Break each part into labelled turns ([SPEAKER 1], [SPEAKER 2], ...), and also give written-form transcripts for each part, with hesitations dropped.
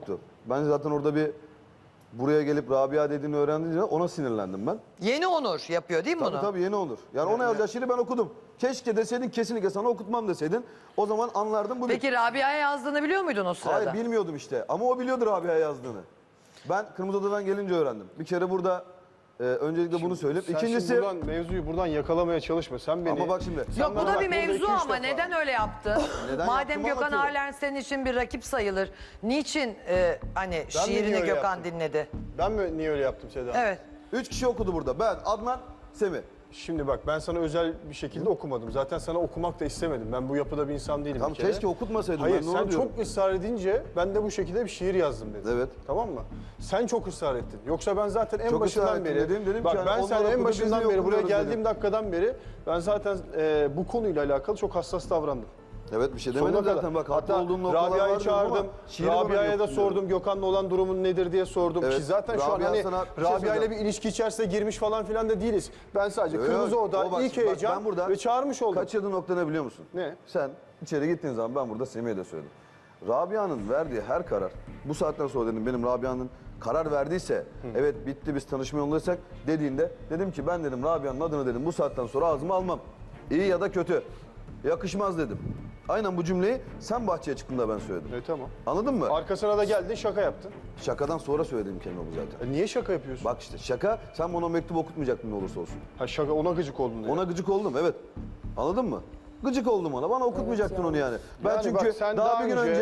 [SPEAKER 1] yoktu. Ben zaten orada buraya gelip Rabia dediğini öğrendiğince ona sinirlendim ben.
[SPEAKER 2] Yeni Onur yapıyor değil mi bunu?
[SPEAKER 1] Tabii yeni olur. Yani ona yazacağı şiiri ben okudum. Keşke deseydin, kesinlikle sana okutmam deseydin. O zaman anlardım bu.
[SPEAKER 2] Peki Rabia'ya yazdığını biliyor muydun o sırada?
[SPEAKER 1] Hayır, bilmiyordum işte. Ama o biliyordu Rabia'ya yazdığını. Ben Kırmızı Oda'dan gelince öğrendim. Bir kere burada öncelikle bunu söyleyip.
[SPEAKER 3] Sen
[SPEAKER 1] İkincisi...
[SPEAKER 3] şimdi mevzuyu buradan yakalamaya çalışma. Sen beni...
[SPEAKER 1] Ama bak şimdi.
[SPEAKER 2] Yok bu da
[SPEAKER 3] bak,
[SPEAKER 2] bir
[SPEAKER 3] burada
[SPEAKER 2] mevzu
[SPEAKER 3] 2-3
[SPEAKER 2] ama
[SPEAKER 3] defa.
[SPEAKER 2] neden öyle yaptı?
[SPEAKER 1] Neden
[SPEAKER 2] Madem
[SPEAKER 1] yaptığımı
[SPEAKER 2] Gökhan
[SPEAKER 1] anlatıyorum.
[SPEAKER 2] Arlen senin için bir rakip sayılır. Niçin hani
[SPEAKER 3] niye
[SPEAKER 2] şiirini
[SPEAKER 3] öyle
[SPEAKER 2] Gökhan
[SPEAKER 3] yaptım?
[SPEAKER 2] dinledi?
[SPEAKER 3] Ben mi niye öyle yaptım Seda?
[SPEAKER 2] Evet.
[SPEAKER 1] 3 kişi okudu burada. Ben, Adnan, Semih.
[SPEAKER 3] Şimdi bak ben sana özel bir şekilde okumadım. Zaten sana okumak da istemedim. Ben bu yapıda bir insan değilim
[SPEAKER 1] Tamam,
[SPEAKER 3] bir kere.
[SPEAKER 1] keşke okutmasaydın.
[SPEAKER 3] Hayır
[SPEAKER 1] ben de onu
[SPEAKER 3] sen
[SPEAKER 1] diyorum.
[SPEAKER 3] çok ısrar edince ben de bu şekilde bir şiir yazdım dedim.
[SPEAKER 1] Evet.
[SPEAKER 3] Tamam mı? Sen çok ısrar ettin. Yoksa ben zaten en
[SPEAKER 1] Çok ısrar
[SPEAKER 3] başından
[SPEAKER 1] ettim
[SPEAKER 3] beri...
[SPEAKER 1] dedim
[SPEAKER 3] bak
[SPEAKER 1] ki hani
[SPEAKER 3] ben
[SPEAKER 1] onlar
[SPEAKER 3] sen en
[SPEAKER 1] okudu,
[SPEAKER 3] başından
[SPEAKER 1] biz niye
[SPEAKER 3] beri buraya
[SPEAKER 1] okumuyoruz
[SPEAKER 3] geldiğim
[SPEAKER 1] dedim.
[SPEAKER 3] dakikadan beri ben zaten bu konuyla alakalı çok hassas davrandım.
[SPEAKER 1] Evet, bir şey
[SPEAKER 3] Sonuna
[SPEAKER 1] demedim
[SPEAKER 3] kadar.
[SPEAKER 1] zaten. Bak, haklı
[SPEAKER 3] Hatta
[SPEAKER 1] olduğum noktalar
[SPEAKER 3] Rabia'yı
[SPEAKER 1] vardı ama
[SPEAKER 3] çağırdım.
[SPEAKER 1] şiiri bana
[SPEAKER 3] Rabia'ya da
[SPEAKER 1] yoktu diyorum.
[SPEAKER 3] sordum. Gökhan'la olan durumun nedir diye sordum.
[SPEAKER 1] Evet.
[SPEAKER 3] Ki zaten şu an
[SPEAKER 1] Rabia
[SPEAKER 3] hani
[SPEAKER 1] sana bir şey
[SPEAKER 3] Rabia ile
[SPEAKER 1] söyleyeceğim.
[SPEAKER 3] bir ilişki içerisine girmiş falan filan da değiliz. Ben sadece
[SPEAKER 1] Öyle
[SPEAKER 3] Kırmızı
[SPEAKER 1] mi?
[SPEAKER 3] Oda,
[SPEAKER 1] O bak,
[SPEAKER 3] ilk
[SPEAKER 1] bak,
[SPEAKER 3] heyecan
[SPEAKER 1] ben burada
[SPEAKER 3] ve çağırmış oldum.
[SPEAKER 1] Kaçırdığın nokta ne biliyor musun?
[SPEAKER 3] Ne?
[SPEAKER 1] Sen içeri gittiğin zaman ben burada Semih'e de söyledim. Rabia'nın verdiği her karar, bu saatten sonra dedim benim Rabia'nın karar verdiyse, evet bitti biz tanışma yolundaysak dediğinde dedim ki ben dedim Rabia'nın adını dedim bu saatten sonra ağzıma almam. İyi ya da kötü. Yakışmaz dedim. Aynen bu cümleyi sen bahçeye çıktığında ben söyledim.
[SPEAKER 3] Tamam.
[SPEAKER 1] Anladın mı?
[SPEAKER 3] Arkasına da geldin şaka yaptın.
[SPEAKER 1] Şakadan sonra söylediğim kelime bu zaten.
[SPEAKER 3] Niye şaka yapıyorsun?
[SPEAKER 1] Bak işte şaka, sen bana o mektubu okutmayacaktın ne olursa olsun.
[SPEAKER 3] Ha şaka ona gıcık oldun diye.
[SPEAKER 1] Ona gıcık oldum, evet. Anladın mı? Gıcık oldum ona. Bana okutmayacaktın onu yani. Ben
[SPEAKER 3] Yani
[SPEAKER 1] çünkü
[SPEAKER 3] bak, sen
[SPEAKER 1] daha bir gün önce,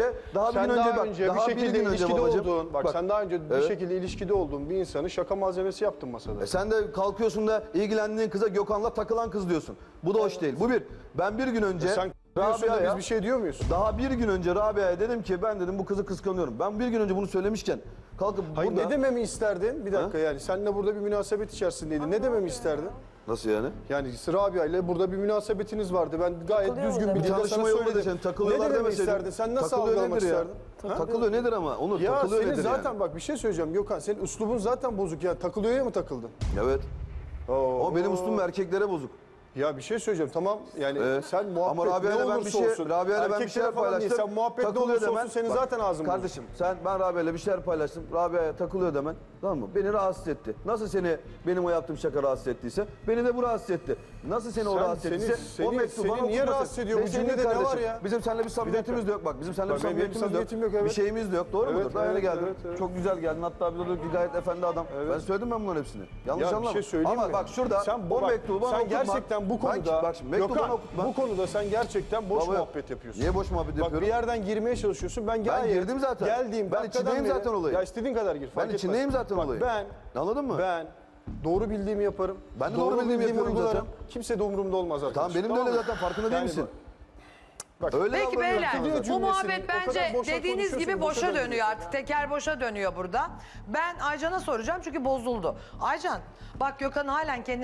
[SPEAKER 3] bir şekilde ilişkide olduğun, bak,
[SPEAKER 1] bak,
[SPEAKER 3] sen daha önce bir
[SPEAKER 1] evet.
[SPEAKER 3] şekilde ilişkide olduğun bir insanı şaka malzemesi yaptın masada.
[SPEAKER 1] Sen de kalkıyorsun da ilgilendiğin kıza Gökhan'la takılan kız diyorsun. Bu da hoş değil. Bu bir. Ben bir gün önce
[SPEAKER 3] Sen diyorsun da
[SPEAKER 1] Rabia'ya,
[SPEAKER 3] biz bir şey diyor muyuz?
[SPEAKER 1] daha bir gün önce Rabia'ya dedim ki ben dedim bu kızı kıskanıyorum. Ben bir gün önce bunu söylemişken kalkıp
[SPEAKER 3] Hayır
[SPEAKER 1] burada...
[SPEAKER 3] ne dememi isterdin? Bir dakika yani seninle burada bir münasebet içerisindeydin. Ne dememi isterdin?
[SPEAKER 1] Nasıl yani?
[SPEAKER 3] Yani Rabia ile burada bir münasebetiniz vardı. Ben gayet düzgün bir dille sana
[SPEAKER 1] Tanışma yolunda
[SPEAKER 3] söyledim.
[SPEAKER 1] sen
[SPEAKER 3] Ne
[SPEAKER 1] takılıyorlar
[SPEAKER 3] dememi
[SPEAKER 1] demeseydin.
[SPEAKER 3] isterdin? Sen nasıl
[SPEAKER 1] Takılıyor
[SPEAKER 3] algılamak
[SPEAKER 1] nedir ya?
[SPEAKER 3] isterdin? Ha?
[SPEAKER 1] Takılıyor nedir ama? Onur
[SPEAKER 3] Ya
[SPEAKER 1] takılıyor
[SPEAKER 3] senin
[SPEAKER 1] nedir
[SPEAKER 3] zaten
[SPEAKER 1] yani?
[SPEAKER 3] bak bir şey söyleyeceğim Gökhan. Senin üslubun zaten bozuk ya. Takılıyor'ya mı takıldın?
[SPEAKER 1] Evet.
[SPEAKER 3] Oo.
[SPEAKER 1] Ama benim üslubum erkeklere bozuk.
[SPEAKER 3] Ya bir şey söyleyeceğim tamam yani sen muhabbet
[SPEAKER 1] Ama Rabia'yla
[SPEAKER 3] ne
[SPEAKER 1] ben
[SPEAKER 3] olursa
[SPEAKER 1] bir şey,
[SPEAKER 3] olsun.
[SPEAKER 1] Rabia'yla ben bir
[SPEAKER 3] erkeklere
[SPEAKER 1] şeyler
[SPEAKER 3] falan değil,
[SPEAKER 1] paylaştım.
[SPEAKER 3] sen muhabbet ne
[SPEAKER 1] takılıyor
[SPEAKER 3] olursa
[SPEAKER 1] demen.
[SPEAKER 3] olsun senin
[SPEAKER 1] Bak,
[SPEAKER 3] zaten ağzın bozuk.
[SPEAKER 1] kardeşim ben Rabia'yla bir şeyler paylaştım. Rabia'ya takılıyor demen. Tamam mı? Beni rahatsız etti. Nasıl seni benim o yaptığım şaka rahatsız ettiyse beni de bu rahatsız etti. Nasıl seni o
[SPEAKER 3] Sen-
[SPEAKER 1] rahatsız ettiyse
[SPEAKER 3] seni-
[SPEAKER 1] o mektubu
[SPEAKER 3] seni
[SPEAKER 1] bana
[SPEAKER 3] niye
[SPEAKER 1] okutmasın.
[SPEAKER 3] rahatsız ediyor? Bu
[SPEAKER 1] Ve senin
[SPEAKER 3] cümlede ne
[SPEAKER 1] kardeşim,
[SPEAKER 3] var ya?
[SPEAKER 1] Bizim seninle bir samimiyetimiz de yok. Bak bizim seninle bir
[SPEAKER 3] Bak, benim
[SPEAKER 1] samimiyetimiz de yok.
[SPEAKER 3] samimiyetim yok, evet.
[SPEAKER 1] Bir şeyimiz de yok. Doğru
[SPEAKER 3] Evet,
[SPEAKER 1] mudur? Daha yeni
[SPEAKER 3] evet,
[SPEAKER 1] geldin.
[SPEAKER 3] evet, evet.
[SPEAKER 1] Çok güzel geldin. Hatta bir de gayet efendi adam. Ben söyledim ben bunların hepsini. Yanlış
[SPEAKER 3] Ya bir
[SPEAKER 1] anlama.
[SPEAKER 3] şey söyleyeyim
[SPEAKER 1] Ama
[SPEAKER 3] mi?
[SPEAKER 1] bak şurada
[SPEAKER 3] sen,
[SPEAKER 1] o
[SPEAKER 3] bak,
[SPEAKER 1] mektubu bana
[SPEAKER 3] sen
[SPEAKER 1] okutma.
[SPEAKER 3] gerçekten bu konuda
[SPEAKER 1] Bak şimdi mektubu
[SPEAKER 3] Gökhan,
[SPEAKER 1] bana okutma.
[SPEAKER 3] bu konuda sen gerçekten boş
[SPEAKER 1] Baba,
[SPEAKER 3] muhabbet yapıyorsun.
[SPEAKER 1] Niye boş muhabbet
[SPEAKER 3] Bak
[SPEAKER 1] yapıyorum?
[SPEAKER 3] bir yerden girmeye çalışıyorsun. Ben
[SPEAKER 1] girdim zaten.
[SPEAKER 3] Geldiğim
[SPEAKER 1] Ben
[SPEAKER 3] dakikadan
[SPEAKER 1] içindeyim
[SPEAKER 3] beri-
[SPEAKER 1] zaten olayın.
[SPEAKER 3] Ya istediğin kadar gir. fark
[SPEAKER 1] Ben içindeyim
[SPEAKER 3] etmez.
[SPEAKER 1] zaten
[SPEAKER 3] Bak,
[SPEAKER 1] olayın.
[SPEAKER 3] Ben
[SPEAKER 1] Anladın mı?
[SPEAKER 3] Ben doğru bildiğimi yaparım.
[SPEAKER 1] Ben de doğru bildiğimi yapıyorum
[SPEAKER 3] uygularım.
[SPEAKER 1] zaten.
[SPEAKER 3] Kimse de umurumda olmaz zaten.
[SPEAKER 1] Tamam benim de öyle
[SPEAKER 3] mı?
[SPEAKER 1] zaten farkında değil
[SPEAKER 3] Yani
[SPEAKER 1] misin?
[SPEAKER 3] Bak,
[SPEAKER 1] Öyle
[SPEAKER 2] Peki
[SPEAKER 1] davranıyorum
[SPEAKER 2] beyler
[SPEAKER 1] sana
[SPEAKER 3] Diyor
[SPEAKER 2] bu
[SPEAKER 1] zaten.
[SPEAKER 3] cümlesini,
[SPEAKER 2] muhabbet
[SPEAKER 3] o kadar
[SPEAKER 2] bence
[SPEAKER 3] boşa
[SPEAKER 2] dediğiniz gibi
[SPEAKER 3] konuşuyorsun,
[SPEAKER 2] boşa
[SPEAKER 3] boşa
[SPEAKER 2] dönüyor artık. Teker boşa dönüyor burada. Ben Aycan'a soracağım çünkü bozuldu. Aycan bak Gökhan halen kendi